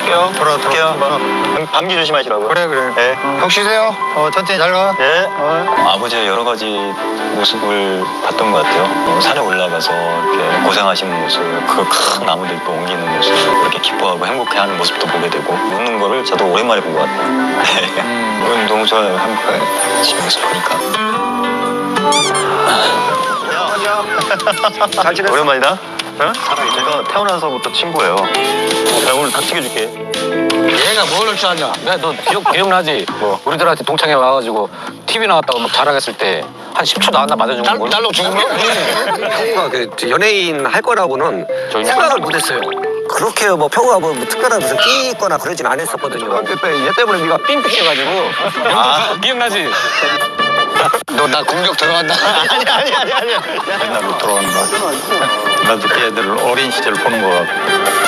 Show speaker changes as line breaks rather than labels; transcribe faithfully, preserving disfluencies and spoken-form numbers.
돌아올게요.
돌아올게요. 감기 조심하시라고요.
그래 그래.
네.
푹 쉬세요. 어, 천천히 잘 가.
네.
어.
아버지의 여러 가지 모습을 봤던 것 같아요. 어, 산에 올라가서 이렇게 고생하시는 모습, 그 큰 나무들 또 옮기는 모습, 이렇게 기뻐하고 행복해하는 모습도 보게 되고 웃는 거를 저도 오랜만에 본 것 같아요. 네. 음. 너무 좋아요. 한국에 지금 모습 보니까. 잘 지냈어? 오랜만이다. 응? 제가 태어나서부터 친구예요. 내가 오늘 다 튀겨줄게.
얘가 뭘 줄 아냐? 내가 너 기억, 기억나지?
뭐?
우리들한테 동창회 와가지고 티비 나왔다고 막 자랑했을 때 한 십 초 나왔나 맞아준 거. 날, 날로 죽은 거?
형우가 그 연예인 할 거라고는
저희
생각을 못했어요. 그렇게 뭐 평우가 뭐 특별한 무슨 끼 있거나 그러진 않았었거든요.
그때 얘 때문에 네가 삥삥해가지고. 아, 기억나지? 너 나 공격 들어간다.
아니 아니 아니 아니.
옛날로 돌아간다. 나도 걔들 어린 시절 보는 거 같고.